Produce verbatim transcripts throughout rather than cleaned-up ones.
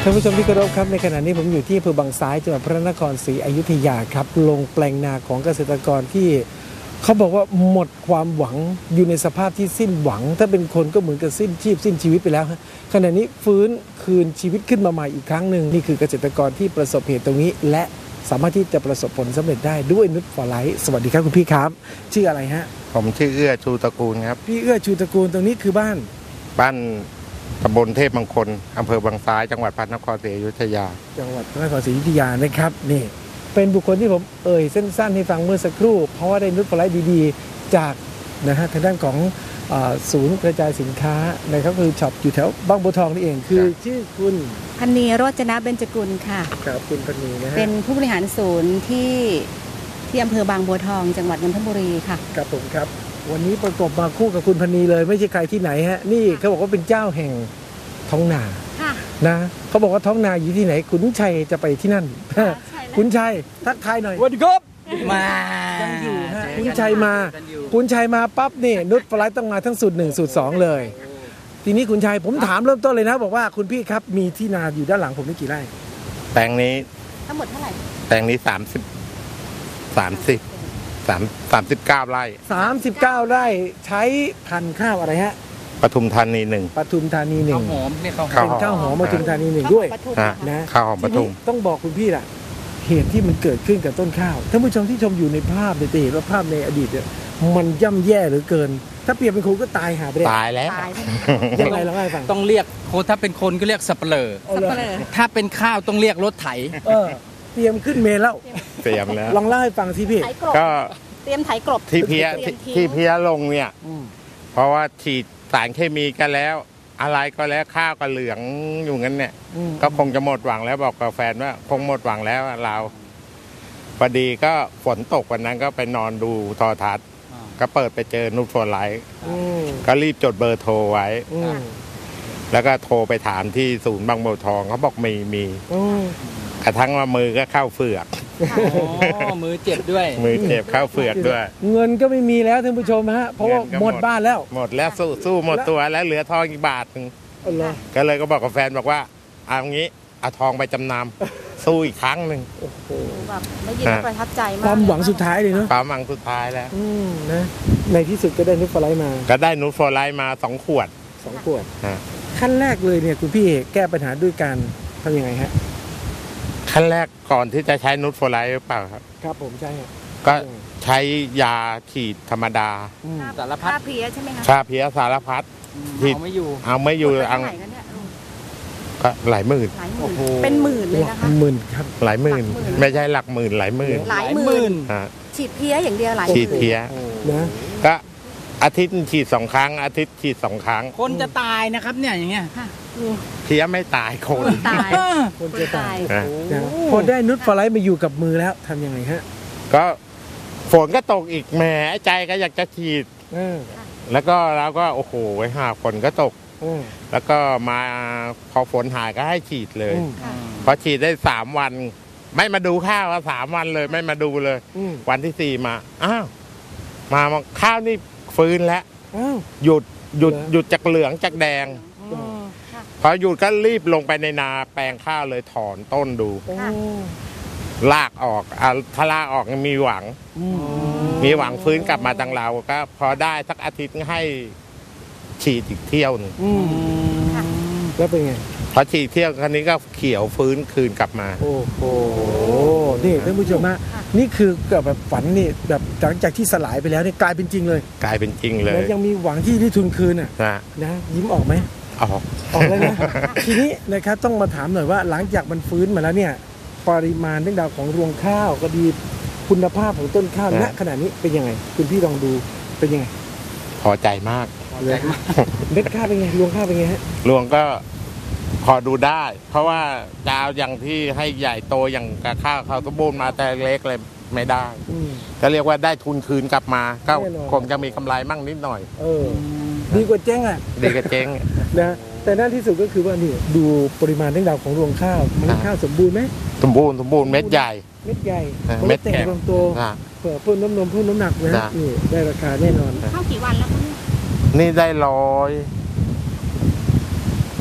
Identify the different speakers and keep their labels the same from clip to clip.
Speaker 1: ท่านผู้ชมที่เคารพครับในขณะนี้ผมอยู่ที่อำเภอบางซ้ายจังหวัดพระนครศรีอยุธยาครับลงแปลงนาของเกษตรกรที่เขาบอกว่าหมดความหวังอยู่ในสภาพที่สิ้นหวังถ้าเป็นคนก็เหมือนกับสิ้นชีพสิ้นชีวิตไปแล้วขณะนี้ฟื้นคืนชีวิตขึ้นมาใหม่อีกครั้งหนึ่งนี่คือเกษตรกรที่ประสบเหตุตรงนี้และสามารถที่จะประสบผลสำเร็จได้ด้วยนุชฟอร์ไลท์สวัสดีครับคุณพี่ครับชื่ออะไรฮะ
Speaker 2: ผมชื่อเอื้อชูตระกูลครับ
Speaker 1: พี่เอื้อชูตระกูลตรงนี้คือบ้าน
Speaker 2: บ้านตำบลเทพมงคลอำเภอบางซ้ายจังหวัดพระนครศรีอยุธยา
Speaker 1: จังหวัดพระนครศรีอยุธยานะครับนี่เป็นบุคคลที่ผมเอ่ยสั้นๆให้ฟังเมื่อสักครู่เพราะว่าได้นุชฟอร์ไลท์ดีๆจากนะฮะทางด้านของศูนย์กระจายสินค้านะครับคือช็อปอยู่แถวบางบัวทองนี่เองคือชื่อคุณ
Speaker 3: พันนีโรจนะเบญจกุลค่ะ
Speaker 1: ครับคุณพันนีนะฮะ
Speaker 3: เป็นผู้บริหารศูนย์ที่ที่อำเภอบางบัวทองจังหวัดนนทบุรีค่ะ
Speaker 1: ครับผมครับวันนี้ประกบมาคู่กับคุณพันนีเลยไม่ใช่ใครที่ไหนฮะนี่เขาบอกว่าเป็นเจ้าแห่งท้องนานะเขาบอกว่าท้องนาอยู่ที่ไหนขุนชัยจะไปที่นั่นขุนชัยทักทายหน่อย
Speaker 4: สวัสดีครับ
Speaker 1: มายังอยู่ฮะขุนชัยมาขุนชัยมาปั๊บนี่นุชฟอร์ไลท์ต้องมาทั้งสูตรหนึ่งสูตรสองเลยทีนี้ขุนชัยผมถามเริ่มต้นเลยนะบอกว่าคุณพี่ครับมีที่นาอยู่ด้านหลังผมนี่กี่ไร่
Speaker 2: แปลงนี้
Speaker 3: ทั้งหมดเท่าไหร่
Speaker 2: แปลงนี้สามสิบสามสิบสามสามสิบเก้าไร่
Speaker 1: สามสิบเก้าไร่ใช้พันธุ์ข้าวอะไรฮะ
Speaker 2: ปทุมธานีหนึ่ง
Speaker 1: ปทุมธานีหนึ่ง
Speaker 4: ข้าวหอมเนี่ยข้าวหอม
Speaker 1: เป็นข้าวหอมปทุมธานีหนึ่งด้วย
Speaker 2: นะข้าวหอมปทุม
Speaker 1: ต้องบอกคุณพี่ล่ะเหตุที่มันเกิดขึ้นกับต้นข้าวท่านผู้ชมที่ชมอยู่ในภาพเนี่ยจะเห็นว่าภาพในอดีตเนี่ยมันย่ำแย่เหลือเกินถ้าเปรียบเป็นคนก็ตายหาไป
Speaker 2: ตายแล้ว
Speaker 1: ยังไงเราให้ฟัง
Speaker 4: ต้องเรียกโคถ้าเป็นคนก็เรียกสับเปลือถ้าเป็นข้าวต้องเรียกรถไถ
Speaker 1: เออเตรียมขึ้นเมล์แล้ว
Speaker 2: เตรียมแล้ว
Speaker 1: ลองเล่าให้ฟังสิพี่
Speaker 2: ก็
Speaker 3: เตรียมไถกลบ
Speaker 2: ที่เพี้ยที่เพี้ยลงเนี่ยเพราะว่าฉีดสารเคมีกันแล้วอะไรก็แล้วข้าวก็เหลืองอยู่งั้นเนี่ยก็คงจะหมดหวังแล้วบอกกับแฟนว่าคงหมดหวังแล้วเราพอดีก็ฝนตกวันนั้นก็ไปนอนดูโทรทัศน์ก็เปิดไปเจอนุชฟอร์ไลท์ก็รีบจดเบอร์โทรไว้แล้วก็โทรไปถามที่ศูนย์บางบัวทองเขาบอกมีมีกระทั่งว่ามือก็เข้าเฟือก
Speaker 4: มือเจ็บด้วย
Speaker 2: มือเจ็บเข้าเฟือกด้วย
Speaker 1: เงินก็ไม่มีแล้วท่านผู้ชมฮะเพราะว่าหมดบ้านแล้ว
Speaker 2: หมดแล้วสู้สู้หมดตัวแล้วเหลือทองอีกบาทนึงก็เลยก็บอกกับแฟนบอกว่าเอางี้เอาทองไปจำนำสู้อีกครั้งหนึ่ง
Speaker 3: โอ้โหแบบไม่ยินประทับใจมาก
Speaker 1: ความหวังสุดท้ายเลยเนาะ
Speaker 2: ความหวังสุดท้ายแล้ว
Speaker 1: นะในที่สุดก็ได้นุชฟอร์ไลท์มา
Speaker 2: ก็ได้นุชฟอร์ไลท์มาสองขวด
Speaker 1: สองขวดขั้นแรกเลยเนี่ยคุณพี่แก้ปัญหาด้วยการทำยังไงฮะ
Speaker 2: ขั้นแรกก่อนที่จะใช้นุชฟอร์ไลท์หรือเปล่าครับ
Speaker 1: ครับผมใช่
Speaker 2: ก็ใช้ยาฉีดธรรมดา
Speaker 3: สารพัดเพี้ยใช่ไหมคะ
Speaker 2: ชาเพี้ยสารพัด
Speaker 4: เอาไม่อยู่
Speaker 2: เอาไม่อยู่อังก็หลายหมื่น
Speaker 3: เป็นหมื่นเลยนะคะ
Speaker 1: หมื่นครับ
Speaker 2: หลายหมื่นไม่ใช่หลักหมื่นหลายหมื่น
Speaker 3: หลายหมื่นฉีดเพี้ยอย่างเดียวหลาย
Speaker 2: ฉีดเพี้ย
Speaker 1: นะ
Speaker 2: ก็อาทิตย์ฉีดสองครั้งอาทิตย์ฉีดสองครั้ง
Speaker 4: คนจะตายนะครับเนี่ยอย่างเงี้ย
Speaker 2: เพี้ยไม่ตายคน
Speaker 3: ตาย
Speaker 1: คนจะตายพอได้นุชฟอร์ไลท์มาอยู่กับมือแล้วทำยังไงฮะ
Speaker 2: ก็ฝนก็ตกอีกแหมใจก็อยากจะฉีดแล้วก็เราก็โอ้โหไว้หาฝนก็ตกแล้วก็มาพอฝนหายก็ให้ฉีดเลยพอฉีดได้สามวันไม่มาดูข้าวว่าสามวันเลยไม่มาดูเลยวันที่สี่มาอ้าวมาข้าวนี่ฟื้นแล้วหยุดหยุดหยุดจากเหลืองจากแดงพอหยุดก็รีบลงไปในนาแปลงข้าวเลยถอนต้นดูลากออกถ้าลากออกมีหวังมีหวังฟื้นกลับมาทางเราก็พอได้สักอาทิตย์ให้ฉีดอีกเที่ยวนึง
Speaker 1: แล้วเป็นไง
Speaker 2: พอฉีดเที่ยวครั้นี้ก็เขียวฟื้นคืนกลับมา
Speaker 1: โอ้โหนี่ท่านผู้ชมฮะนี่คือแบบฝันนี่แบบหลังจากที่สลายไปแล้วนี่กลายเป็นจริงเลย
Speaker 2: กลายเป็นจริงเลย
Speaker 1: ยังมีหวังที่ได้ทุนคืนอ่ะนะยิ้มออกไหม
Speaker 2: ออก
Speaker 1: ออกเลยนะทีนี้นะครับต้องมาถามหน่อยว่าหลังจากมันฟื้นมาแล้วเนี่ยปริมาณเรื่องราวของรวงข้าวก็ดีคุณภาพของต้นข้าวณขณะนี้เป็นยังไงคุณพี่ลองดูเป็นยังไง
Speaker 2: พอใจมาก
Speaker 1: เลยเม็ดข้าวเป็นไงรวงข้าวเป็นไงฮะ
Speaker 2: รวงก็พอดูได้เพราะว่าดาวอย่างที่ให้ใหญ่โตอย่างกับข้าวเขาสมบูรณ์มาแต่เล็กเลยไม่ได้ก็เรียกว่าได้ทุนคืนกลับมาก็คงจะมีกำไรมั่งนิดหน่อย
Speaker 1: เออดีกว่าเจ๊งอ่ะ
Speaker 2: ดีกว่าเจ๊ง
Speaker 1: นะแต่ด้านที่สุดก็คือว่านี่ดูปริมาณเรื่องราวของรวงข้าวมันข้าวสมบูรณ์ไหม
Speaker 2: สมบูรณ์สมบูรณ์เม็ดใหญ่
Speaker 1: เม็ดใหญ่เม็ดแก่ลำโตเผื่อเพิ่มน้ำนมเพิ่มน้ำหนักนะนี่ได้ราคาแน่นอน
Speaker 3: ข้าวกี่วันแล้วคะ
Speaker 2: นี่ได้ร้อย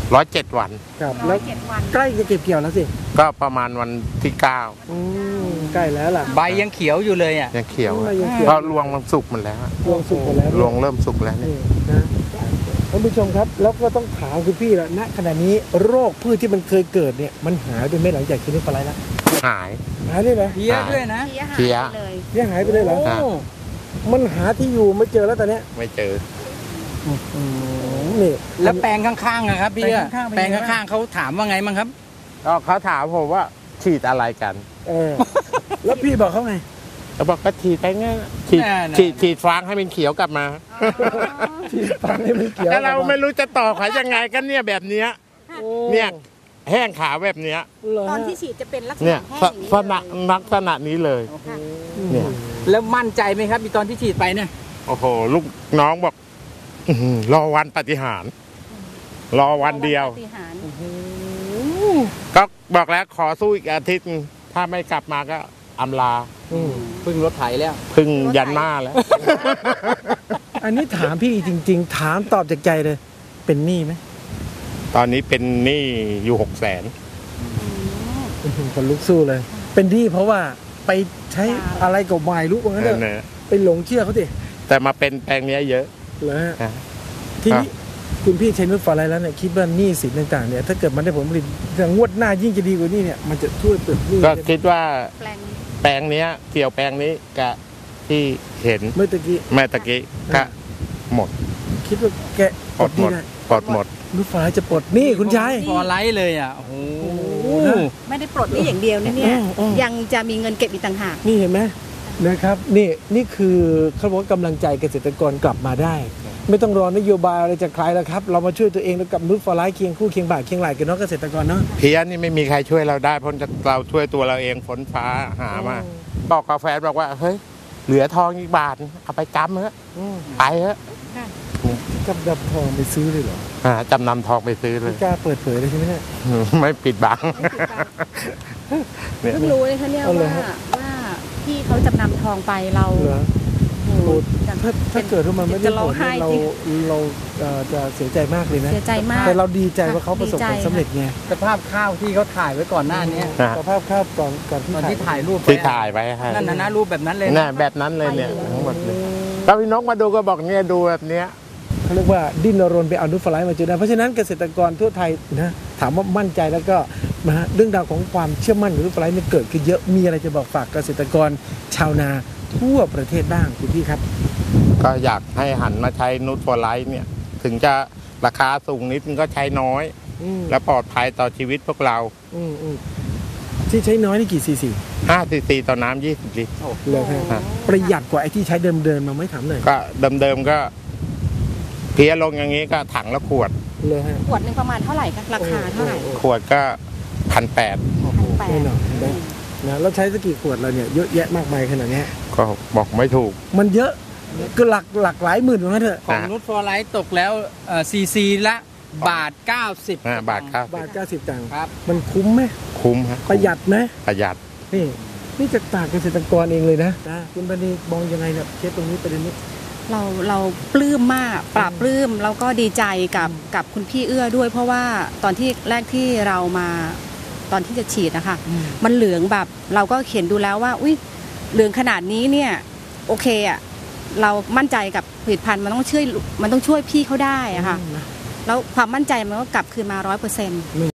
Speaker 2: ร้อยเจ็ดวัน
Speaker 1: ครับ
Speaker 3: ร้
Speaker 1: แล้
Speaker 3: อ
Speaker 1: วย
Speaker 3: เจ็ดวัน
Speaker 1: ใกล้จะเก็บเกี่ยวแล้วสิ
Speaker 2: ก็ประมาณวันที่เก้า
Speaker 1: อืมใกล้แล้วล่ะ
Speaker 4: ใบยังเขียวอยู่เลยอ่ะ
Speaker 2: ยังเขียว
Speaker 1: อืมยังเขียว
Speaker 2: เพราะรวงมันสุกหมันแล้ว
Speaker 1: รวงสุกหมดแล้ว
Speaker 2: รวงเริ่มสุกแล้วเนี่ย
Speaker 1: นี่นะท่านผู้ชมครับ แล้วก็ต้องถามคุณพี่ละณขณะนี้โรคพืชที่มันเคยเกิดเนี่ยมันหายไปไหมหลังจากกินนิฟาไลท์แล้ว
Speaker 2: หาย
Speaker 1: หายเลยไหม
Speaker 4: เพี้ยด้วยนะ
Speaker 3: เพี้ยหาย
Speaker 2: เพี้ย
Speaker 3: ไปเลย
Speaker 1: ยังหายไปเลยเหรอ
Speaker 4: โอ้
Speaker 1: มันหาที่อยู่ไม่เจอแล้วตอนเนี้ย
Speaker 2: ไม่เจอ
Speaker 1: อืมนี่
Speaker 4: แล้วแปลงข้างๆนะครับพี่อะ
Speaker 1: แป
Speaker 4: แป
Speaker 1: ล
Speaker 4: ล
Speaker 1: ง
Speaker 4: ง
Speaker 1: ข้างๆเป็นไงบ้าง
Speaker 4: ข้างๆเขาถามว่าไงมั้งครับ
Speaker 2: ก็เขาถามผมว่าฉีดอะไรกัน
Speaker 1: เออ แล้วพี่บอกเขาไง
Speaker 2: เขาบอกก็ฉีดไปงั้นฉีด
Speaker 4: แน่ๆ
Speaker 2: ฉีดฉีดฟางให้มันเขียวกลับมา
Speaker 1: ที่ฟังให้มันเกี่ยว
Speaker 2: แล้วเราไม่รู้จะต่อขายยังไงกันเนี่ยแบบเนี้ย
Speaker 1: โอ้
Speaker 2: เนี่ยแห้งขาแบบเนี้ย
Speaker 1: เหรอ
Speaker 3: ต
Speaker 1: ฮะ
Speaker 3: อนที่ฉีดจะเป็นลักษ
Speaker 2: เนี่ย
Speaker 3: ณะแห้งอย่างนี้
Speaker 2: ลักษณะ
Speaker 3: เลย
Speaker 2: ลักษณะนี้เลย
Speaker 3: ค่ะ
Speaker 2: เนี่ย
Speaker 4: แล้วมั่นใจไหมครับตอนที่ฉีดไปเนี่ย
Speaker 2: โอ้โห ลูกน้องบอกอื้อหือรอวันปฏิหารย์รอวันเดียว
Speaker 3: ปฏิหารย์
Speaker 2: ก็บอกแล้วขอสู้อีกอาทิตย์ ถ้าไม่กลับมาก็อำลา
Speaker 1: อืม
Speaker 4: พึ่งรถไถแล้ว
Speaker 2: พึ่งยันหน้าแล้ว
Speaker 1: อันนี้ถามพี่จริง ๆ ถามตอบจากใจเลย เป็นหนี้ไหม
Speaker 2: ตอนนี้เป็นหนี้อยู่หกแสน
Speaker 1: อื้อหือคนลุกสู้เลย เป็นหนี้เพราะว่าไปใช้อะไรกับวายรู้ว่างั้นเถอะ
Speaker 2: นะ
Speaker 1: ไปหลงเชื่อเขาดิ
Speaker 2: แต่มาเป็นแปลงเนี้ยเยอะ
Speaker 1: เหรอฮะ
Speaker 2: นะ
Speaker 1: ทีนี้คุณพี่ใช้นุชฟอร์ไลท์แล้วเนี่ยคิดว่าหนี้สินต่างๆเนี่ยถ้าเกิดมันได้ผลผลิตงวดหน้ายิ่งจะดีกว่านี้เนี่ยมันจะช่วยเปิดหนี้
Speaker 2: ก็คิดว่า
Speaker 3: แปลง
Speaker 2: แปลงเนี้ย เกี่ยวแปลงนี้กับที่เห็น
Speaker 1: เมื่อตะกี้
Speaker 2: แม่ตะกี้ก็หมด
Speaker 1: คิดว่าแก
Speaker 2: ปลดหมด
Speaker 1: ได้
Speaker 2: ปลดหมด
Speaker 1: นุชฟอร์ไลท์จะปลดหนี้คุณชาย
Speaker 4: ฟอร์ไลท์เลยอ่ะ โอ้โห
Speaker 1: นะ
Speaker 3: ไม่ได้ปลดนี่อย่างเดียวนะเนี่ย
Speaker 1: อืมอืม
Speaker 3: ยังจะมีเงินเก็บอีกต่างหาก
Speaker 1: นี่เห็นไหมนะครับนี่นี่คือเขาบอกว่ากำลังใจเกษตรกรกลับมาได้ ไม่ต้องรอนโยบายอะไรจากใครแล้วครับ เรามาช่วยตัวเองแล้วกับนุชฟอร์ไลท์เคียงคู่เคียงบ่าเคียงไหล่กันเนาะเกษตรกรเนาะ
Speaker 2: เพี้ยนนี่ไม่มีใครช่วยเราได้เพราะเราช่วยตัวเราเองฝนฟ้าหามา บอกกาแฟนบอกว่าเฮ้ยเหลือทองอีกบาทเอาไปจำเถอะ
Speaker 1: อืม
Speaker 2: ไปเถอะ
Speaker 1: กับดับทองไปซื้อเลยเหรอ
Speaker 2: อ่าจำนำทองไปซื้อเล
Speaker 1: ไม่
Speaker 2: ย
Speaker 1: กล้าเปิดเผยเลยใช่ไหมเนี่ย
Speaker 2: ไม่ปิดบัง เนี่ย
Speaker 3: เพิ่งรู้เลยคะเนี่ย
Speaker 1: เอาเลย
Speaker 3: ว่า
Speaker 1: ฮะ
Speaker 3: ว่าที่เขาจำนำทองไปเรา
Speaker 1: เหรอ
Speaker 3: โอ้โห
Speaker 1: ถ้าถ้าเกิดว่ามันไม่ได้
Speaker 3: จะ
Speaker 1: ผ
Speaker 3: ร้อง
Speaker 1: ล
Speaker 3: ไห้
Speaker 1: เนี่ยเรา
Speaker 3: จริง
Speaker 1: เราเอ่อจะเสียใจมากเลยนะ
Speaker 3: เสียใจมาก
Speaker 1: แต่เราดีใจว่าเขาประสบผล
Speaker 3: ดีใจ
Speaker 1: สำเร็จไง
Speaker 4: สภาพข้าวที่เขาถ่ายไว้ก่อนหน้านี้
Speaker 2: นะ
Speaker 1: สภาพข้าวก่อนก่อนที่
Speaker 4: ตอนที่ถ่ายรูป
Speaker 2: ที่
Speaker 4: ไว้
Speaker 2: ถ่ายไว้ให้
Speaker 4: นั่นนะนะรูปแบบนั้นเลย
Speaker 2: น่ะแบบนั้นเลยเนี่ยทั้งหมดเลยก็พี่นกมาดูก็บอกเนี่ยดูแบบเนี้ย
Speaker 1: เขาเรียกว่าดิ้นรนไปเอานุชฟลายมาจนได้เพราะฉะนั้นเกษตรกรทั่วไทยนะถามว่ามั่นใจแล้วก็นะฮะเรื่องราวของความเชื่อมั่นของนุชฟลายเนี่ยเกิดขึ้นเยอะมีอะไรจะบอกฝากเกษตรกรชาวนาทั่วประเทศบ้างคุณพี่ครับ
Speaker 2: ก็อยากให้หันมาใช้นูตฟอร์ไลท์เนี่ย ถึงจะราคาสูงนิดนึงก็ใช้น้อย
Speaker 1: อืม
Speaker 2: และปลอดภัยต่อชีวิตพวกเรา
Speaker 1: อืมอืมที่ใช้น้อยนี่กี่ซีซี
Speaker 2: ห้าซีซีต่อน้ำยี่สิบลิตร
Speaker 1: เลยฮะ
Speaker 2: ฮะ
Speaker 1: ประหยัดกว่าไอ้ที่ใช้เดิมๆมาไม่ถามหน่อย
Speaker 2: ก็เดิมๆก็เพี้ยลงอย่างนี้ก็ถังละขวด
Speaker 1: เลยฮะ
Speaker 3: ขวดหนึ่งประมาณเท่าไหร่คะราคาเท่าไหร่
Speaker 2: ขวดก็พันแปด
Speaker 3: พันแปด
Speaker 1: แน่นอนนะนะแล้วใช้สักกี่ขวดเราเนี่ยเยอะแยะมากมายขนาดเนี้ย
Speaker 2: ก็บอกไม่ถูก
Speaker 1: มันเยอะก็หลักหลักหลายหมื่นเหมือนกันเถอะ
Speaker 4: ของนุชฟอร์ไลท์ตกแล้วซีซีละบาท เก้าสิบ
Speaker 2: อ่าบาทครับ
Speaker 1: บาทเก้าสิบตังค์
Speaker 4: ครับ
Speaker 1: มันคุ้มไหม
Speaker 2: คุ้มฮะ
Speaker 1: ประหยัดไหม
Speaker 2: ประหยัด
Speaker 1: นี่นี่จากปากเกษตรกรเองเลยนะนะคุณปณีมองยังไงเนี่ยเคสตรงนี้ประเด็นนี้
Speaker 3: เราเราปลื้มมากปราบปลื้มแล้วก็ดีใจกับกับคุณพี่เอื้อด้วย เพราะว่าตอนที่แรกที่เรามาตอนที่จะฉีดนะคะมันเหลืองแบบเราก็เขียนดูแล้วว่าอุ้ยเหลืองขนาดนี้เนี่ยโอเคอะเรามั่นใจกับผลิตภัณฑ์มันต้องช่วยมันต้องช่วยพี่เขาได้อะค่ะแล้วความมั่นใจมันก็กลับคืนมาร้อยเปอร์เซ็นต์